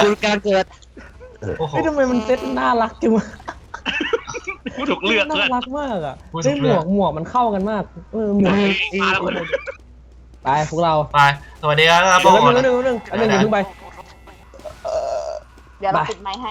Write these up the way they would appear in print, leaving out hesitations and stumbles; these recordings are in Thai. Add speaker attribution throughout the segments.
Speaker 1: การเกิด
Speaker 2: โอ้โห
Speaker 3: เฮ้ยทำไมมันเซ็ตน่ารักจังวะ
Speaker 4: กูถูกเลือก
Speaker 3: น่า
Speaker 4: เลย
Speaker 3: รักมากอ่ะเฮ้ยหมวกมันเข้ากันมากหมวกไปพวกเรา
Speaker 2: ไปสวัสดีครับ
Speaker 3: เดี๋ยวนึงอย่าเพิ่งไป
Speaker 5: เดี๋ยวเราปิดไมค์ให้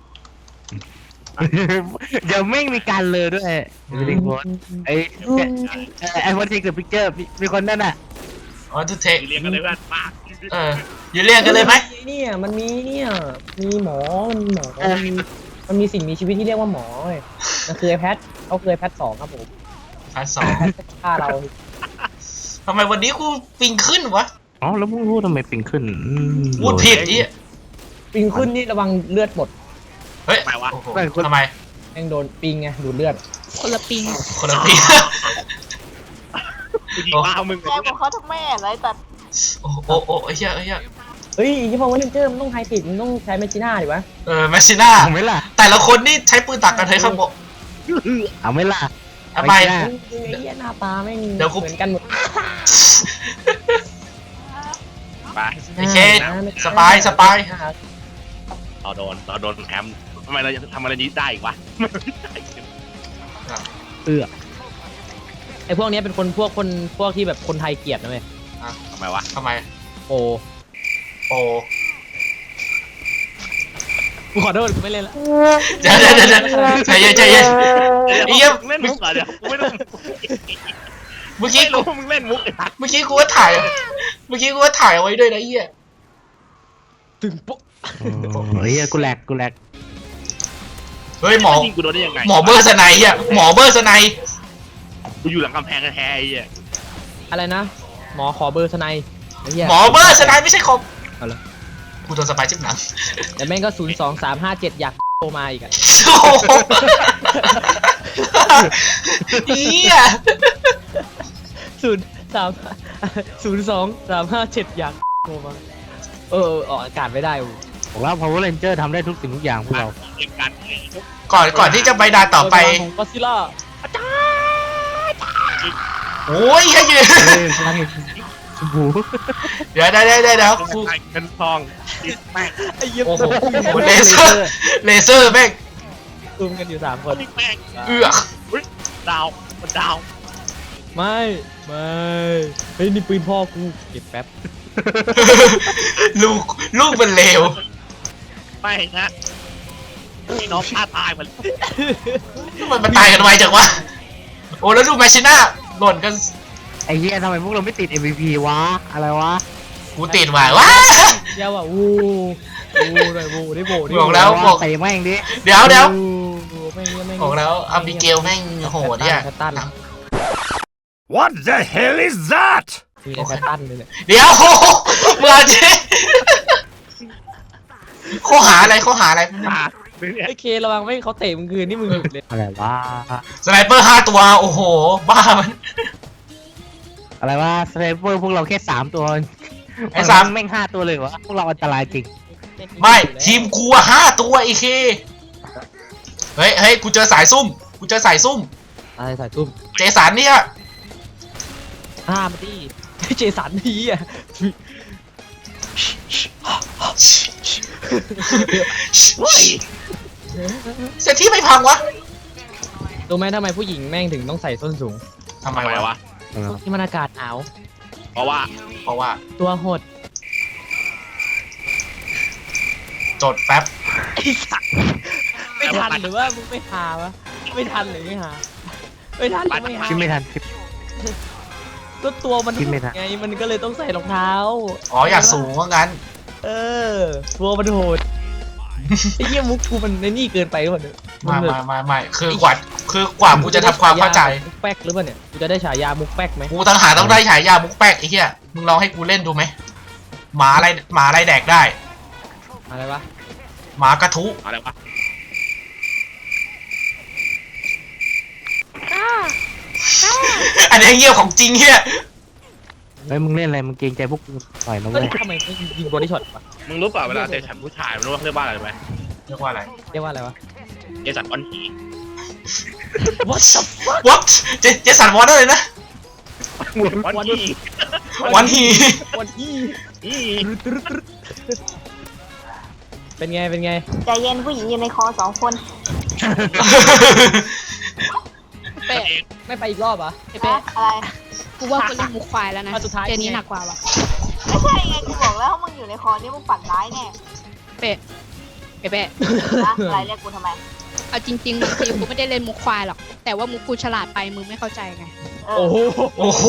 Speaker 1: เดี๋ยวไม่มีการเลยด้วยไม่ได้โพสไอ้พอทีกับพิกเจอร์มีคนนั่นน่ะ
Speaker 2: อ๋อทูเทค
Speaker 4: เรียกกันเลยเพื่อนปาก
Speaker 2: อยู่เรียกกันเลยไหม
Speaker 3: เนี่ยมันมีเนี่ยมีหมอมันมีสิ่งมีชีวิตที่เรียกว่าหมอเว้ยมันคือไอแพทเขาคือไอแพท2ครับผม
Speaker 2: อันสอง
Speaker 3: แพทฆ่าเรา
Speaker 2: ทำไมวันนี้กูปิงขึ้นวะ
Speaker 1: อ๋อแล้วมึงรู้ทำไมปิงขึ้น
Speaker 2: พูดผิดอี
Speaker 3: ปิงขึ้นนี่ระวังเลือดหมด
Speaker 2: เฮ้ยทำไม
Speaker 3: แม่งโดนปิงไงดูดเลือด
Speaker 5: คนละปิง
Speaker 2: คนละปิง
Speaker 4: กูยิงมามึง
Speaker 5: แกบอกเขาทั้งแม่ไรตัด
Speaker 2: โอ้โอ้ไอ้เหี้ย
Speaker 3: เฮ้ยยี่ห้อวันเจอร์มันต้องไฮติดมันต้องใช้แมชชีน่าดิวะ
Speaker 2: แมชชีน่า
Speaker 1: เอาไหมล่ะ
Speaker 2: แต่ละคนนี่ใช้ปืนตักกันเฮ้ยครับผม
Speaker 1: เอาไหมล่ะ
Speaker 2: ทำไม
Speaker 3: ไอ้เหี้ยหน้าตาแม่งเหมือนกันหมด
Speaker 4: ไป
Speaker 2: ไอ้เคสปาย
Speaker 4: เราโดนแอมทำไมเราทำอะไรนี้ได้อีกวะ
Speaker 3: ไอ้พวกนี้เป็นคนพวกที่แบบคนไทยเกลียดนะเว้ย
Speaker 4: ทำไมวะ
Speaker 2: ทำไม
Speaker 3: โอ้
Speaker 2: โอ้
Speaker 3: กูขอโทษกูไม่เล่นละ
Speaker 2: เดี๋ยวใจเย็นไอ้เหี้ย
Speaker 4: เล่นมุกเหรอเดี๋ยวกูไม่รู้
Speaker 2: เมื่อกี้
Speaker 4: ไม่รู้มึงเล่นมุกไอ้ทัก
Speaker 2: เมื่อกี้กูก็ถ่ายเอาไว้ด้วยนะไอ้เหี้ย
Speaker 3: ตึงปุ๊บ
Speaker 1: เฮ้ยกูแหลก
Speaker 2: เฮ้ยหมอ
Speaker 4: ยิงกูโดนได้ยังไง
Speaker 2: เบอร์สไนอ่ะหมอเบอร์สไน
Speaker 4: กูอยู่หลังกำแพงแท้ๆไอ้เหี้ย
Speaker 3: อะไรนะหมอขอเบอร์สไนไอ้เหี้ย
Speaker 2: หมอเบอร์สไนไม่ใช่คอม
Speaker 3: เอาละ
Speaker 2: กูโดนสปายจิ้มหนัง
Speaker 3: แต่แม่งก็02357อยากโทรมาอีกอะ
Speaker 2: โอ้โหเหี้ย
Speaker 3: 02357อยากโทรมาออกอากาศไม่ได้อู
Speaker 1: ผมว่า Power Ranger ทำได้ทุกสิ่งทุกอย่างพวกเรา
Speaker 4: เกมกัน
Speaker 2: ก่อนที่จะไปด่านต่อไป
Speaker 3: ของก็ซิล่า
Speaker 2: โอ้ยแค่ยืน
Speaker 1: พลังชมพู
Speaker 2: เดี๋ยว
Speaker 4: กูเป็นทองติดแม่ง
Speaker 3: ไอ้เหี้ย
Speaker 2: โอ้โหเลเซอร์แม่ง
Speaker 3: ซูมกันอยู่3 คน
Speaker 4: ติดแม่ง
Speaker 2: เอือก
Speaker 4: ดาวมันดาว
Speaker 3: ไม่เฮ้ยนี่ปืนพ่อกูเก็บแป๊บ
Speaker 2: ลูกมันเลว
Speaker 4: ไม่นะพี่น้องฆ่าตายมัน
Speaker 2: มันตายกันไวจังวะโอ้แล้วดูแมชชีน่าหล่นกัน
Speaker 1: ไอ้เหี้ยทำไมพวกเราไม่ติด MVP วะอะไรวะ
Speaker 2: กูติดว่ะว้า
Speaker 3: เดี๋ยวอ่ะวูเลยวูได้โบ
Speaker 2: บอกแล้วบอก
Speaker 1: ใส่แม่งดิ
Speaker 2: เดี๋ยว
Speaker 3: ไม่
Speaker 2: บอกแล้วอับิเกลแม่งโหดเนี่ย
Speaker 3: ตัน
Speaker 6: What the hell is that?
Speaker 3: มีแต่ตันเลยเนี่ย
Speaker 2: เดี๋ยวเมื่อเจ๊ข้อหาอะไร
Speaker 4: ตาเนี่ย
Speaker 3: ไอ้เคระวังไม่เขาเตะมึงคืนนี่มึงหลุดเลย
Speaker 1: อะไรวะ
Speaker 2: สไนเปอร์5 ตัวโอ้โหบ้ามัน
Speaker 1: อะไรวะสไนเปอร์พวกเราแค่3 ตัว
Speaker 2: ไอ้สาม
Speaker 1: แม่ง5 ตัวเลยวะพวกเราอันตรายจริง
Speaker 2: ไม่ทีมกูอะ5 ตัวไอ้เคเฮ้ยกูเจอสายซุ่ม
Speaker 3: อะไรใส่ตุ้ม
Speaker 2: เจสันเนี่ย
Speaker 3: มาดิเจสันทีอ่ะ
Speaker 2: เซตที่ไม่พังวะ
Speaker 3: รู้ไหมทำไมผู้หญิงแม่งถึงต้องใส่ส้นสูง
Speaker 2: ทำไม
Speaker 4: ทำไม
Speaker 2: วะ
Speaker 4: วะ
Speaker 3: ที่มันอากาศหนาว
Speaker 4: เพราะว่า
Speaker 2: เพราะว่า
Speaker 3: ตัวหด
Speaker 2: จดแป๊บ
Speaker 3: ไอ้สัสไม่ทันหรือว่ามึงไม่หาวะไม่ทันหรือไม่หาไม่ทันหรือไม่หา
Speaker 1: คิดไม่ทันคิด
Speaker 3: ก็ตัวมัน
Speaker 1: คิดไม่ทัน
Speaker 3: ไงมันก็เลยต้องใส่รองเท้า
Speaker 2: อ๋ออยากสูงว่างั้น
Speaker 3: ตัวมันโหดไอ้เหี้ยมุกกูมันในนี่เกินไปหรือเปล่าเนี่ย
Speaker 2: ไม่คือกว่ากูจะทำความเข้าใจ
Speaker 3: มุกแป๊กหรือเปล่าเนี่ยกูจะได้ฉายามุกแป๊กไหม
Speaker 2: กูตั้งหาต้องได้ฉายามุกแป๊กไอ้เหี้ยมึงลองให้กูเล่นดูไหมหมาอะไรแดกได้
Speaker 3: อะไรวะ
Speaker 2: หมากระทุ
Speaker 4: อะไรวะ
Speaker 2: อันนี้เงี้ยของจริงเฮีย
Speaker 1: เฮ้ยมึงเล่นอะไรมึงเกรงใจพวกกูหน่อยนะ
Speaker 3: เฮ้
Speaker 1: เว้
Speaker 3: ย
Speaker 1: ย
Speaker 3: ทำไมไม่ยิงบอดี้ช็อตวะ
Speaker 4: มึงรู้เปล่าเวลาเจสันผู้ชายมันรู้ว่าเรียกว่าอะไรไหม
Speaker 2: เรียกว่าอะไร
Speaker 3: เรียกว่าอะไรวะ
Speaker 4: เจสันก้อนหี
Speaker 3: What the fuck
Speaker 2: What เจสันวอร์ดเลยนะ
Speaker 4: ก้อนหี
Speaker 2: วันฮี
Speaker 3: วันที่
Speaker 4: อี
Speaker 3: เป็นไงเป็นไง
Speaker 5: ใจเย็นผู้หญิงอยู่ในคอ2 คน
Speaker 7: เป๊ะ
Speaker 3: ไม่ไปอีกรอบเหรอ
Speaker 7: เป๊ะ
Speaker 5: อะไร
Speaker 7: กูว่ากูเล่นมุกควายแล้วนะ
Speaker 3: อ่ะสุดท้าย
Speaker 7: เกมนี้หนักกว่าว่ะ
Speaker 5: ไม่ใช่ไงกูบอกแล้วมึงอยู่ในคอนี่มึงปั่นร้ายแน่
Speaker 7: เป๊ะเป๊ะ
Speaker 5: นะอะไรเรียกกูทำไม
Speaker 7: เอาจริงๆบางทีกูไม่ได้เล่นมุกควายหรอกแต่ว่ามุกกูฉลาดไปมึงไม่เข้าใจไง
Speaker 5: เออ
Speaker 3: โอ้โห
Speaker 2: โอ้โห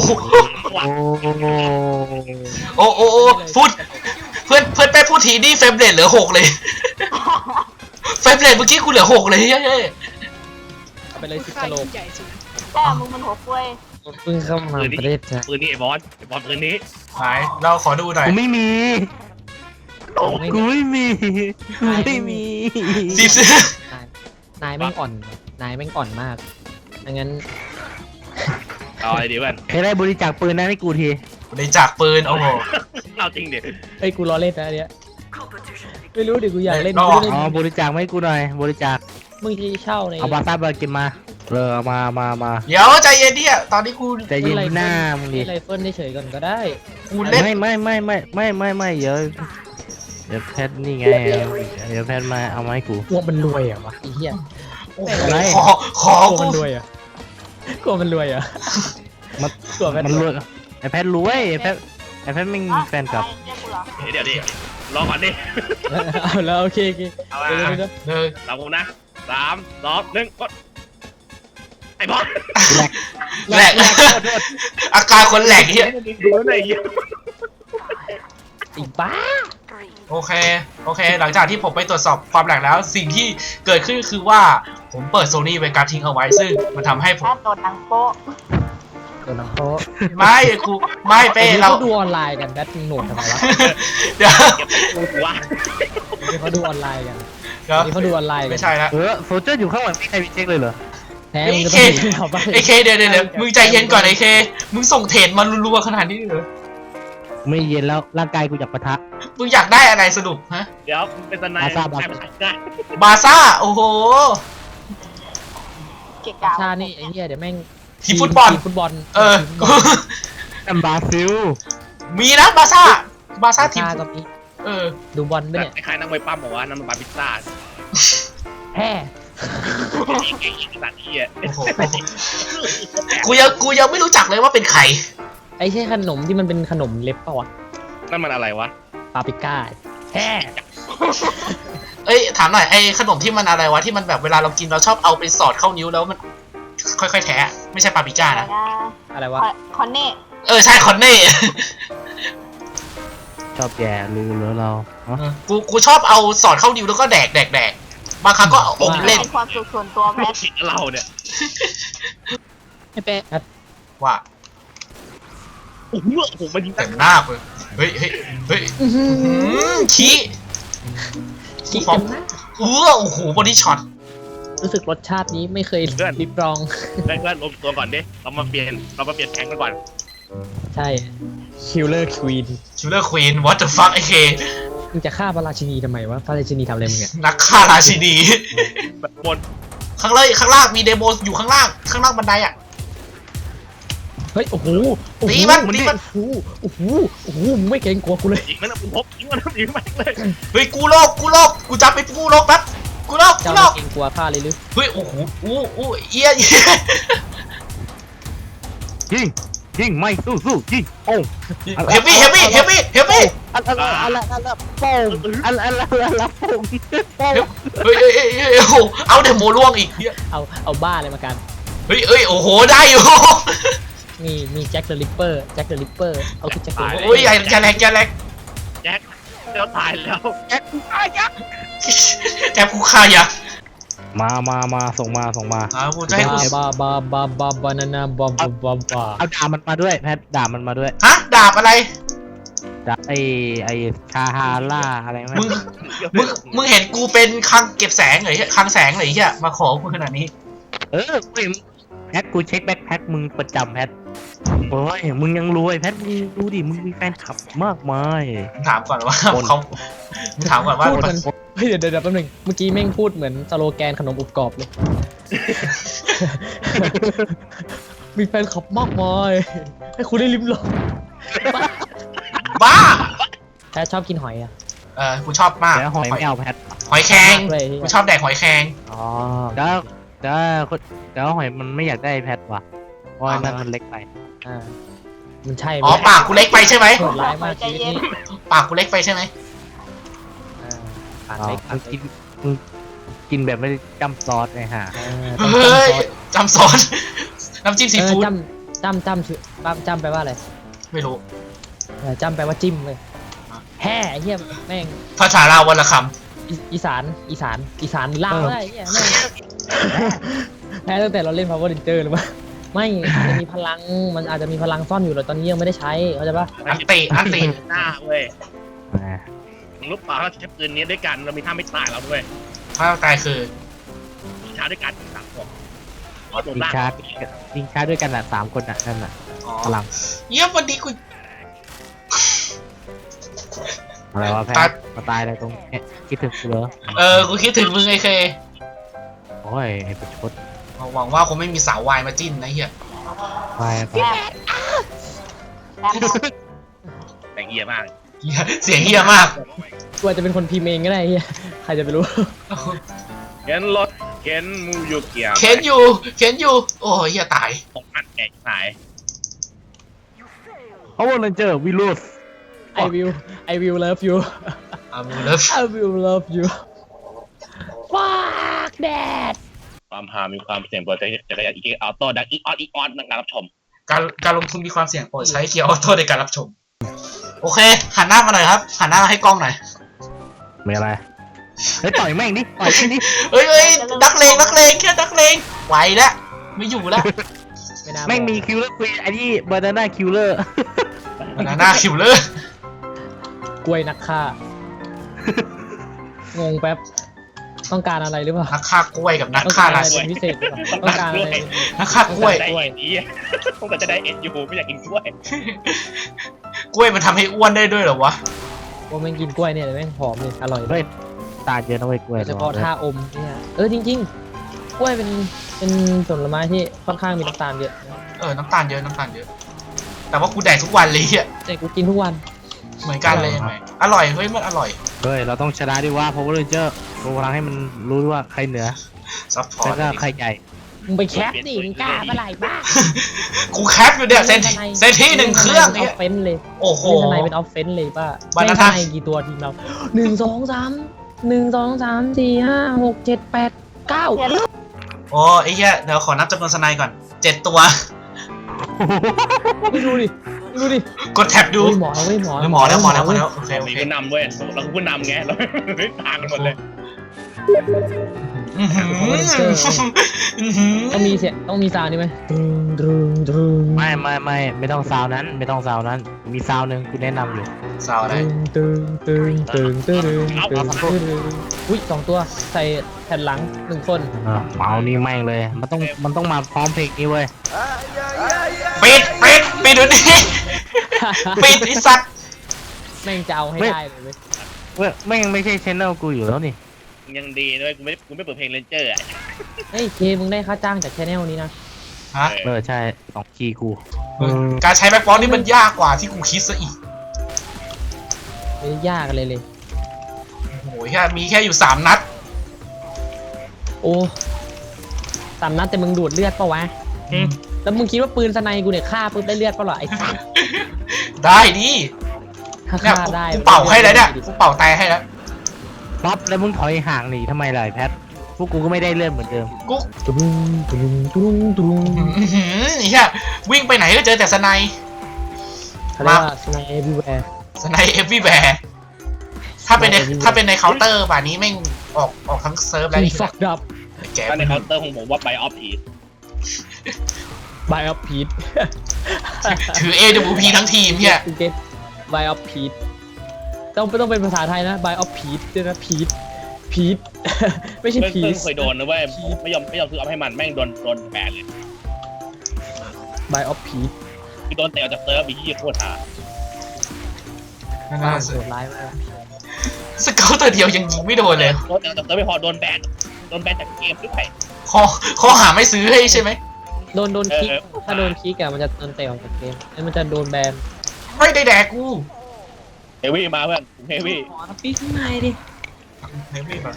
Speaker 1: โอ้
Speaker 2: โอ้พูดเพื่อนไปพูดทีนี่เฟรมเรทเหลือ6เลยเฟรมเรทเมื่อกี้กูเหลือ6เลยเฮ้ย
Speaker 3: เอาไปเลย10
Speaker 7: ใคร
Speaker 3: กะโหลก
Speaker 7: ใหญ่สุด
Speaker 5: แต่มึงมันหัวกล้วย
Speaker 1: เพิ่งเข้ามาประเทศไทย
Speaker 4: ปืนนี้ไอ้บอสปืนนี้
Speaker 2: ไหนเราขอดูหน่อย
Speaker 1: กูไม่มีกูไม่มีกูไม่มี
Speaker 2: สิบ
Speaker 3: นายแม่งอ่อนนายแม่งอ่อนมากงั้น
Speaker 4: เอาอะไรดีเพื่อน
Speaker 1: ใครได้บริจาคปืนนั้นให้กูที
Speaker 2: ในจากปืนโอ้โห
Speaker 4: เอาจริงดิ
Speaker 3: เอ้ยกูล้อเล่นนะอันเนี้ยไม่รู้ดิกูอยากเล่น
Speaker 2: อ๋อ
Speaker 3: กูเล่น
Speaker 1: อ๋อบริจาคมาให้กูหน่อยบริจาค
Speaker 3: มึงที่เช่าใน
Speaker 1: เอาบาซ่าบากินมาเอามา
Speaker 2: เดี๋ยวใจเย็นดิตอนนี้กู
Speaker 1: ใจเย็นหน้ามึงดิ
Speaker 3: ไรเฟิลได้เฉยก่อนก็ได้
Speaker 2: กูเล่น
Speaker 1: ไม่เดี๋ยวแพทนี่ไงเดี๋ยวแพทมาเอามาให้กู
Speaker 3: กลัวมันรวยเหรอวะไอ้เหี้ย
Speaker 1: อะไร
Speaker 2: ขอก
Speaker 3: ลัว
Speaker 2: กู
Speaker 3: มันรวยเหรอ่ะกลัวมันรวยเหรอ่ะ
Speaker 1: มัน
Speaker 3: กลัวมัน
Speaker 1: มัน
Speaker 3: ร
Speaker 1: ร
Speaker 3: ว
Speaker 1: วย ยไอแพทรวยไอแพทไม่มีแฟนคลับ
Speaker 5: เรียกกูเหรอ
Speaker 4: เดี๋ยวดิรอก่อนดิ
Speaker 3: เอาแล้วโอเค
Speaker 4: เอา
Speaker 3: เดี๋ยว
Speaker 4: ละ
Speaker 3: เดี๋ยว
Speaker 2: เนย
Speaker 4: ตามผมนะ3 2 1กดไอ้บอส
Speaker 2: แหลกอาการคนแหลกเฮีย
Speaker 4: ดูหน่อยเหี้ย
Speaker 3: ไอ้บ้า
Speaker 2: โอเคหลังจากที่ผมไปตรวจสอบความแหลกแล้ว สิ่งที่เกิดขึ้นคือว่าผมเปิดโซนี่ไว้การทิ้งเอาไว้ซึ่งมันทำให้ผม
Speaker 5: ถ้าโดนหนังโป๊ะ
Speaker 3: ตัวน้ำโต๊ะ
Speaker 2: ไม่กูไม่เป้เรา
Speaker 3: เขาดูออนไลน์กันแบทมึงโหนดทำไมวะ
Speaker 2: เดี๋ยว
Speaker 4: ว่า
Speaker 3: เขาดูออนไลน์กัน
Speaker 2: เดี๋ยว
Speaker 3: นี่เขาดูออนไลน์กัน
Speaker 2: ไม่ใช่ละ
Speaker 1: โซเจอร์อยู่ข้างหลังไม่ใครมีเช็คเลยเหรอ
Speaker 3: แพ้มึงก็ต้องเห็นเขาไป
Speaker 2: ไอเคเดี๋ยวมึงใจเย็นก่อนไอเคมึงส่งเทรดมารัวๆขนาดนี้เลยเหรอ
Speaker 1: ไม่เย็นแล้วร่างกายกูอยากปะทะ
Speaker 2: มึงอยากได้อะไรสรุปฮะ
Speaker 4: เดี๋ยวเป็นทนาย
Speaker 1: บาซ่า
Speaker 4: ได้
Speaker 2: บาซ่าโอ้โห
Speaker 5: เกะกะ
Speaker 3: ชานี่ไอ้เหี้ยเดี๋ยวแม่ง
Speaker 2: ทีมฟุตบอล
Speaker 3: ทีมฟุตบอล
Speaker 2: เออ
Speaker 1: แอมบาซิล
Speaker 2: มีนะบาซ่าทีม
Speaker 3: ชาก็มี
Speaker 2: เออ
Speaker 3: ดูบอลด้วยเนี่ย
Speaker 4: คล้ายๆนักมวยปั้มบอกว่านั่นมันบาร์พิซซ่า
Speaker 3: แฮ่
Speaker 4: ไอ้สัตว์เหี้ย
Speaker 2: โอ้โหกูยังไม่รู้จักเลยว่าเป็นใคร
Speaker 3: ไอ้ใช่ขนมที่มันเป็นขนมเล็บป่าวะ
Speaker 4: นั่นมันอะไรวะ
Speaker 3: ปาปริก้าแฮ่
Speaker 2: เอ้ยถามหน่อยไอ้ขนมที่มันอะไรวะที่มันแบบเวลาเรากินเราชอบเอาไปสอดเข้านิ้วแล้วมันค่อยๆแทะไม่ใช่ปาปริก้า
Speaker 5: อะไร
Speaker 2: นะ
Speaker 5: นะ
Speaker 3: อะไรวะ
Speaker 5: คอนเน่
Speaker 2: เออใช่คอนเน่
Speaker 1: ชอบแย่รู้เหรอเราฮะ
Speaker 2: กูชอบเอาสอดเข้านิ้วแล้วก็แดกบางครั้งก็เอาอมเล่น
Speaker 5: เป็นความสุขส่วนตัวแพท
Speaker 4: คิดเราเนี่ย
Speaker 7: ไอ้เป๊ะ
Speaker 2: ว่า
Speaker 4: โอ้โหมันยิง
Speaker 2: เต็มหน้าเลยเฮ้ยขี้
Speaker 3: ขี้
Speaker 2: ฟอ
Speaker 3: เต็
Speaker 2: ง
Speaker 3: มหน้า
Speaker 2: โอ้โหบอดี้ช็อต
Speaker 3: รู้สึกรสชาตินี้ไม่เคยริบรอง
Speaker 4: เพื่อนรวมตัวก่อนดิเรามาเปลี่ยนแข่งกันก่อน
Speaker 3: ใช่คิลเลอร์ควีน
Speaker 2: คิลเลอร์ควีน what the fuck ไอเค
Speaker 3: มึงจะฆ่าพระราชินีทำไมวะพระราชินีทำอะไรมึงเนี่ย
Speaker 2: นักฆ่าราชินี
Speaker 4: แบบบน
Speaker 2: ข้างล่างมีเดโมอยู่ข้างล่างบันไดอ่ะ
Speaker 3: เฮ้ยโอ้โหโอ้โห
Speaker 2: ตีมัน
Speaker 3: โอ้โหมึงไม่เกรงกลัวกูเลย
Speaker 4: ยิงมันนะผมพกยิงมันยิงมันเลย
Speaker 2: เฮ้ยกูโลกกูจับไปกูโลกแป๊บกูโลก
Speaker 3: เจ้าไม่เกรงกลัวข้าเลยหรือ
Speaker 2: เฮ้ยโอ้โหเอี้ย
Speaker 1: ยิงไม่สู้ยิงโอ้
Speaker 2: เฮฟวี่
Speaker 1: อะไรโป้งโป้ง
Speaker 2: เฮ้ยโอ้โหเอาเดโมล่วงอีกเหี้ย
Speaker 3: เอาบ้าอะไรมากัน
Speaker 2: เฮ้ยโอ้โหได้อยู่
Speaker 3: มีแจ็คเดอะริปเปอร์เอาคือแจ็คเดอะริปเปอร์
Speaker 2: โอ้ยอย่าแรง
Speaker 4: แจ็คแล้วตายแล้ว
Speaker 2: แจ็คกูฆ่าอย่า
Speaker 1: มาส่งมา
Speaker 2: กูจะให้กู
Speaker 3: บานานาบา
Speaker 1: เอาดาบมันมาด้วยแพทดาบมันมาด้วย
Speaker 2: ฮะดาบอะไร
Speaker 1: ดาบไอชาฮาร่าอะไรไหม
Speaker 2: มึงเห็นกูเป็นคลังเก็บแสงเหรอคลังแสงเหรอเฮียมาขอกูขนาดนี้
Speaker 1: เว้ยแพทกูเช็คแบ็คแพ็คมึงประจำแพทโอ้ยมึงยังรวยแพทมึงดูดิมึงมีแฟนคลับมากมาย
Speaker 2: ถามก่อนว่าเขาถามก่อนว่า
Speaker 3: พูดมันเฮ้ยเดี๋ยวแป๊บนึงเมื่อกี้แม่งพูดเหมือนสโลแกนขนมอบกรอบเลย มีแฟนคลับมากมายให้คุณได้ลิ้มลอง
Speaker 2: บ้า
Speaker 3: แพทชอบกินหอยอ่ะ
Speaker 2: กูชอบมาก
Speaker 1: แล้วหอยไม่เอาแพท
Speaker 2: หอยแครง
Speaker 3: เลย
Speaker 2: กูชอบแดกหอยแครง
Speaker 1: อ๋อแล้วหอยมันไม่อยากได้แพทว่ะเพราะว่านั่นมันเล็กไป
Speaker 3: อ่ามันใช่
Speaker 2: อ๋อปากกูเล็กไปใช่ไหม
Speaker 3: โหดร้ายมากชีวิตนี้
Speaker 2: ปากกูเล็กไปใช่ไหม
Speaker 3: ปาก
Speaker 1: อ๋อ
Speaker 3: เล็ก
Speaker 1: มึงกินแบบไม่ได้จ้ำซอสไงฮะ
Speaker 2: เฮ้ยจำซอสน้ำจิ้มซีฟู้ด
Speaker 3: จำแปลว่าอะไร
Speaker 2: ไม่รู้
Speaker 3: จำแปลว่าจิ้มเลยแห่ไอ้เหี้ยแม่ง
Speaker 2: ภาษาลาววันละค
Speaker 3: อีสานลาวได้เหี้ยแม่งแพ้ตั้งแต่เราเล่น Power Ranger หรือเปล่าไม่อาจจะมีพลังมันอาจจะมีพลังซ่อนอยู่แต่ตอนนี้ยังไม่ได้ใช้เข้าใจปะ
Speaker 2: ำอันตี
Speaker 4: หน้าเว้ย
Speaker 1: อ่า
Speaker 4: มึงรู้เปล่าเราใช้ปืนนี้ด้วยกันเรามีท่าไม่ตายแล้วด้วย
Speaker 2: ถ้าตายคือ
Speaker 4: ชาด้วยกัน3 คนอ๋อตัว
Speaker 1: ยิง
Speaker 4: ล่าง
Speaker 1: ชาร์จยิงชาร์จด้วยกันอ่ะ3 คนอ่ะนั่นน่ะ
Speaker 2: อ๋อ
Speaker 1: พลัง
Speaker 2: เยี่ยมวันนี้กู
Speaker 1: อะไรวะแพ
Speaker 2: ตั
Speaker 1: ท
Speaker 2: ด
Speaker 1: มาตายอะไรตรงเนี้ยคิดถึงกูเหรอ
Speaker 2: กูคิดถึงมึงไอ้เค
Speaker 1: โอ้ยไอ้ประชด
Speaker 2: หวังว่าคงไม่มีสาววายมาจิ้นนะเฮีย
Speaker 1: ไปไป
Speaker 5: แอบมอง
Speaker 4: แต่งเหี้ยมาก
Speaker 2: เหี้ยเสียงเฮียมาก
Speaker 3: กูอาจจะเป็นคนพิมพ์เองก็ได้เหี้ยใครจะไปรู้
Speaker 4: เข็นรถเข็นมูยูเกีย
Speaker 2: เข็นอยู่ โอ้ยเฮียตาย
Speaker 4: ตกอัดแอกหาย
Speaker 1: เอาวันนั้นเจอวิโรส
Speaker 3: I will love you
Speaker 2: มึงเลิฟ
Speaker 3: I will love you fuck that
Speaker 4: ความหามีความเสี่ยงเปิดจักรยานอีกออโต้ดังอีออนนักรับชม
Speaker 2: การลงทุนมีความเสี่ยงโปรดใช้เกียร์ออโต้ในการรับชม โอเค หันหน้ามาหน่อยครับ หันหน้ามาให้กล้องหน่อย
Speaker 1: ไม่อะไรเฮ้ยต่อยแม่งดิต่อยแม่งดิ
Speaker 2: เฮ้ยนักเลงแค่นักเลงไหวแล้วไม่อยู่แล้ว
Speaker 3: ไม่น่า
Speaker 1: แม่งมีคิวเลอร์คุยอันนี้บานาน่าคิวเลอร์
Speaker 2: มันหน้าคิวเลอร์
Speaker 3: กล้วยนักฆ่า งงแป๊บ ต้องการอะไรหรือเปล่า
Speaker 2: นักฆ่ากล้วยกับนัก
Speaker 3: ต้อง
Speaker 2: ฆ่า
Speaker 3: การอะไร
Speaker 2: ราศี
Speaker 3: เป็นพิเศษหรือเปล่าต้องการอะไร
Speaker 2: นักฆ่ากล้วย
Speaker 4: ได้เอ็นนี้ผมจะได้เอ็นอยู่ไม่อยากกินกล้วย
Speaker 2: กล้วยมันทำให้อ้วนได้ด้วยเหรอวะ
Speaker 3: ว่าแม่งกินกล้วยเนี่ยแม่งหอมเลยอร่อย
Speaker 1: เฮ้ยตาเยอะนะเว้ยกล้วย
Speaker 3: โดยเฉพาะท่าอมเนี่ยจริงๆ กล้วยเป็นผลไม้ที่ค่อนข้างมีน้ำตาลเยอะนะ
Speaker 2: น้ำตาลเยอะ แต่ว่ากูแดกทุกวันเลยอ่ะ
Speaker 3: แต่กูกินทุกวัน
Speaker 2: เหมือนกันเลยไหมอร่อย เฮ้ย มันอร่อย
Speaker 1: เฮ้ยเราต้องชนะด้วยว่าเพราะว่าเรนเจอร์โชว์พลังให้มันรู้ว่าใครเหนือ
Speaker 2: ซัพพอ
Speaker 1: แล้ว
Speaker 2: ร์ต
Speaker 1: ก็ใครใหญ่
Speaker 3: มึงไปแคปดิมึงกล้าเมื่อไหร่บ้า
Speaker 2: กูแคปอยู่เนี่ยเซนที่1 เครื่อง
Speaker 3: ออ
Speaker 2: เนี่ย
Speaker 3: ฟเฟนเลย
Speaker 2: โอ้โห
Speaker 3: เล่นทนายเป็นออฟเฟนเลยป้า
Speaker 2: บานา
Speaker 3: เล่น
Speaker 2: น่า
Speaker 3: ทนายกี่ตัวทีมเรา1 2 3 4 5 6 7 8 9
Speaker 2: โอ้ไอ้เหี้ยเดี๋ยวขอนับจำนวนสไนก่อน 7 ตัว
Speaker 3: ไม่ดูดิดูดิ
Speaker 2: กดแท็บดู
Speaker 3: เฮ้ยหมอเว้ยหมอ
Speaker 2: หมอแล้วโอเค
Speaker 4: มีผู้นำเว้ยเราคือผู้นำไงเราต่างกันหมดเลย
Speaker 2: อื้อหือ
Speaker 3: ต้องมีเสียงต้องมีซาวน์นี่ไหมดึง
Speaker 1: ไม่ต้องซาวนั้นไม่ต้องซาวนั้น มีซาวหนึ่งกูแนะนำอยู่
Speaker 2: สาวอะไร
Speaker 3: อุ้ย2 ตัวใส่แผ่นหลัง1 คน
Speaker 1: เมานี่แม่งเลย มันต้องมาพร้อมเพลงนี้เว้ย
Speaker 2: ปิดเดี๋ยวนี้ปิดไอ้สัตว์
Speaker 3: แม่งจะเอาให้ได้เลยเว้ย
Speaker 1: เว้ยแม่งไม่ใช่ชแนลกูอยู่แล้วนี่
Speaker 4: ยังดีด้วยกูไม่เปิดเพลงเรนเจอร์อ่ะ
Speaker 3: เฮ้ยเคมึงได้ค่าจ้างจากแชนแนลนี้นะ
Speaker 2: ฮะ
Speaker 1: ใช่2 คีย์กู
Speaker 2: การใช้แบ็คบอลนี่มันยากกว่าที่กูคิดซะอีก
Speaker 3: ไม่ได้ยากอะไรเลย
Speaker 2: โอ้ยแค่มีแค่อยู่3 นัด
Speaker 3: โอ้3 นัดแต่มึงดูดเลือดปะวะ
Speaker 2: อืม
Speaker 3: แล้วมึงคิดว่าปืนสไนกูเนี่ยฆ่าปุ๊บได้เลือดปะเหรอไอ้สัส
Speaker 2: ได้ดิ
Speaker 3: ถ้า
Speaker 2: เนี่ย
Speaker 3: ฆ่าได้
Speaker 2: กูเป่าให้แล้วเนี่ยกูเป่าแต่ให้แล้ว
Speaker 1: ป๊อปแล้วมึงถอยห่างหนีทำไมล่ะไอ้แพทพวกกูก็ไม่ได้เลื่อนเหมือนเดิม
Speaker 2: กู
Speaker 3: ตุ้งตุ้งตุ้งตุ้ง
Speaker 2: อื้อหือไอ้เหี้ยวิ่งไปไหนก็เจอแต่สไน
Speaker 3: เขาเรียกว่าสไนเอวีแวร์
Speaker 2: สไนเอฟวีแวร์ถ้าเป็นในเคาน์เตอร์ป่านนี้แม่งออกทั้งเซิร์ฟแล้ว
Speaker 3: มี
Speaker 2: นี่
Speaker 3: ฟักดับ
Speaker 2: แก
Speaker 4: ถ้าในเคาน์เตอร์ของผมว่าไบออฟพี
Speaker 3: บายออฟพีท
Speaker 2: ถือ AWP ทั้งทีมเฮีย
Speaker 3: บายออฟพีทต้องเป็นภาษาไทยนะบายออฟพีทด้วยนะพีทไม่ใช่
Speaker 4: เพื่
Speaker 3: พี
Speaker 4: อน
Speaker 3: ท
Speaker 4: เคยโดนนะเว้ยไม่ยอมซื้อเอาให้มันแม่งโดนแบนเลย
Speaker 3: บายออฟพีท
Speaker 4: คือโดนเตะออกจากเซิร์ฟอีที่โคตรหา
Speaker 3: โหดร้ายมาก
Speaker 2: สเกลตัวเดียวยังยิงไม่โดนเลย
Speaker 4: โดนเตะออกจากเซิร์ฟไม่พอโดนแบนจากเกมด้วย
Speaker 2: ข้อหาไม่ซื้อให้ใช่ไหม
Speaker 3: โดนคิกถ้าโดนคิกอะมันจะโดนเตะออกจากเกมแล้วมันจะโดนแบน
Speaker 2: ไม่ได้แดกกู
Speaker 4: เฮวี่มาเพื่อนเฮวี่
Speaker 3: ขอปีข้างในดิ
Speaker 2: เฮฟวี่แบบ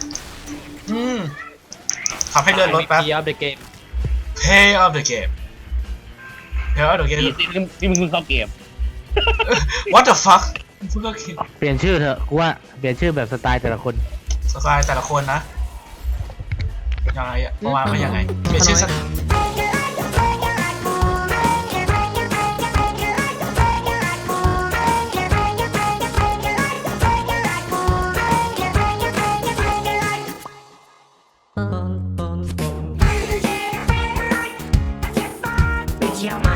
Speaker 2: ขับให้เลื่อนรถแป๊บ
Speaker 3: ออฟเดอะเกม
Speaker 2: Pay of the game Pay of the game
Speaker 4: นี่มึงเพิ่งเข้าเกม
Speaker 2: What the fuck เพิ่งก็คิด
Speaker 1: เปลี่ยนชื่อเถอะกูว่าเปลี่ยนชื่อแบบสไตล์แต่ละคน
Speaker 2: สไตล์แต่ละคนนะยังไงอะประมาณว่ายังไงเปลี่ยนชื่อสัก
Speaker 8: With your mind.